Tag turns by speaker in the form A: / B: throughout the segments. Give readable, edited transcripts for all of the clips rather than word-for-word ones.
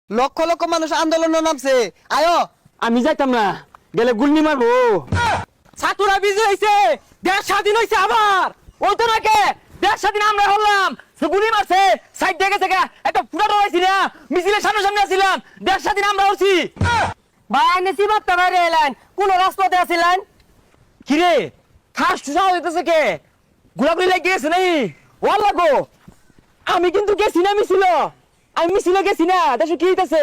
A: লক্ষ লক্ষ মানুষ আন্দোলনে নামছে, আয়ো।
B: আমি যাইতাম না, গেলে গুল্লি মারবো। ছাত্ররা বিজয় হয়েছে, দেশ স্বাধীন হয়েছে আবার। ওই তো নাকি দেশ স্বাধীন আমরা হলাম, সে গুলি মারছে, সাইড থেকে থেকে একটা ফুটাটো হয়েছি না, মিছিলের সামনে সামনে আসছিলাম, দেশ স্বাধীন আমরা হচ্ছি।
C: ভাই নেছি বার্তা বাইরে এলেন, কোন রাজপথে আছিলেন?
B: কিরে খাস টুসা হইতেছে কে? গোলাগুলি লেগে গেছে নাই? ওয়াল লাগো, আমি কিন্তু গেছি না মিছিল, আমি মিছিলে গেছি না। দেশে কি হইতেছে?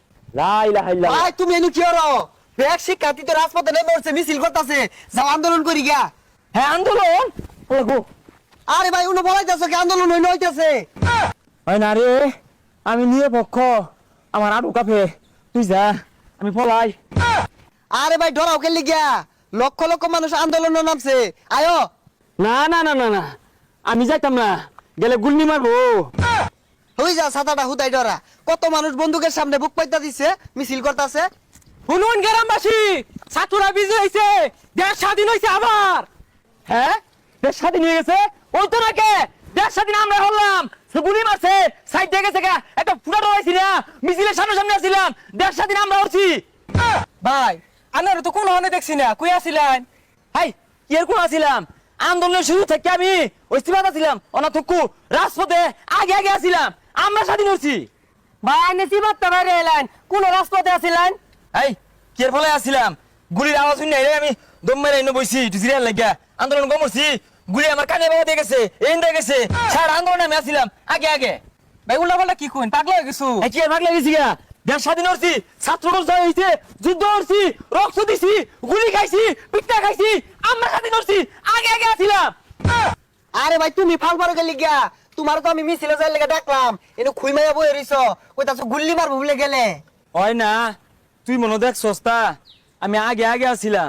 A: ভাই তুমি এনু কি হরো? ব্যাগ শিক্ষার্থী তো রাজপথে নেমে পড়ছে, মিছিল করতেছে, যাও আন্দোলন করি গিয়া।
B: হ্যাঁ আন্দোলন লাগো।
A: আরে ভাই উনি বলাইতেছো কি আন্দোলন হইতেছে?
B: হয় না রে, আমি নিয়ে পক্ষ, আমার আড়ু কাফে, তুই যা, আমি পলাই।
A: আরে ভাই ডরাও খেলি গিয়া, লক্ষ লক্ষ মানুষ আন্দোলনে নামছে, আয়ো।
B: না না না না না, আমি যাইতাম না, গেলে গুল্লি মারবো।
A: হই যা ছাতাটা হুদাই ডরা, কত মানুষ বন্দুকের সামনে বুক পাইতা দিছে, মিছিল করতেছে।
B: শুনুন গ্রামবাসী, ছাত্ররা বিজয় হয়েছে, দেশ স্বাধীন হয়েছে আবার। হ্যাঁ দেশ স্বাধীন হয়ে গেছে, ওই তো নাকি দেশ স্বাধীন আমরা হলাম, সে গুলি মারছে, সাইড থেকে থেকে একটা ফুটাটো হয়েছি না, মিছিলের সামনে সামনে আসছিলাম, দেশ স্বাধীন আমরা হচ্ছি।
C: ভাই আনার তো কোন হনে দেখছি না, কই আছিলেন?
B: হাই কি আর কোন আসছিলাম, আন্দোলনের শুরু থেকে আমি ওইস্তিবাদ আছিলাম, অনাথক্কু রাজপথে আগে আগে আসছিলাম, আমরা স্বাধীন হচ্ছি।
C: ভাই নেছি বার্তা বাইরে এলেন, কোন রাজপথে আছিলেন?
B: এই কি এর ফলে আসছিলাম, গুলির আওয়াজ শুনে আমি দম মেরে এনে বইছি, একটু জিরিয়ার লাগিয়া আন্দোলন কমরছি, গুলি আমার কানে বাবা দিয়ে গেছে, এন দিয়ে গেছে, সারা আন্দোলনে আমি আসছিলাম আগে আগে।
C: ভাই উল্টা পাল্টা কি কইন, পাগলা হয়ে গেছো?
B: কি আর ভাগ লাগিয়েছি গা, দেশ স্বাধীন হচ্ছি, ছাত্র জয় হয়েছে, যুদ্ধ হচ্ছি, রক্ত দিছি, গুলি খাইছি, পিঠা খাইছি, আমরা স্বাধীন হচ্ছি, আগে আগে আসছিলাম।
A: আরে ভাই তুমি ফাল পারো গেলি গিয়া, তোমার তো আমি মিছিলে যাই লেগে ডাকলাম, এনে খুই মাইয়া বই রইছ, কইতাছো গুল্লি মারবো বলে গেলে।
B: হয় না, তুই মনে দেখ সস্তা, আমি আগে আগে আসছিলাম,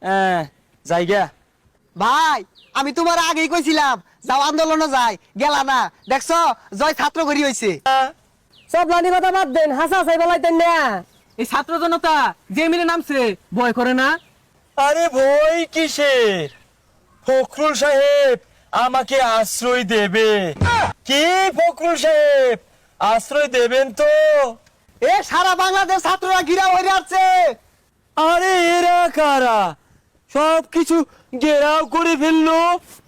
B: জায়গা।
A: ভাই আমি তোমার আগেই কইছিলাম যাও আন্দোলনে যাই, গেলা না, দেখছো জয় ছাত্র করি হইছে।
C: সব লানি কথা বাদ দেন, হাসা হাসাই বলাইতেন না। এই ছাত্র জনতা যে মিলে নামছে, ভয় করে না?
B: আরে ভয় কিসের, ফখরুল সাহেব আমাকে আশ্রয় দেবে। কি ফখরুল সাহেব আশ্রয় দেবেন তো?
A: এ সারা বাংলাদেশ ছাত্ররা ঘিরা হয়ে আসছে।
B: আরে এরা কারা, সব কিছু ঘেরাও করে ফেললো।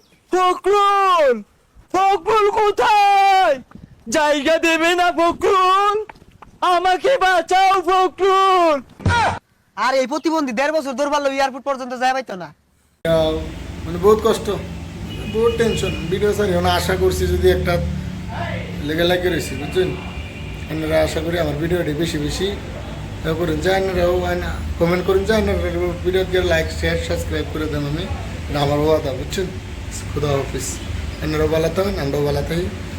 B: ফখরুল, ফখরুল কোথায়? জায়গা দেবে না ফখরুল, আমাকে বাঁচাও ফখরুল।
A: আর এই প্রতিবন্ধী 1.5 বছর দৌড় পারলো এয়ারপোর্ট পর্যন্ত যাই পাইতো না।
D: মানে বহুত কষ্ট, বহুত টেনশন। ভিডিও সারি না, আশা করছি যদি একটা লেগে লাগে রয়েছি, বুঝছেন? আপনারা আশা করি আমার ভিডিওটি বেশি বেশি করেন, যে আপনারাও কমেন্ট করেন, যে আপনারা ভিডিওকে লাইক শেয়ার সাবস্ক্রাইব করে দেন। আমি এটা আমার ওয়াদা, বুঝছেন? খুদা হাফিজ। আপনারাও ভালো থাকেন, আমরাও ভালো থাকি।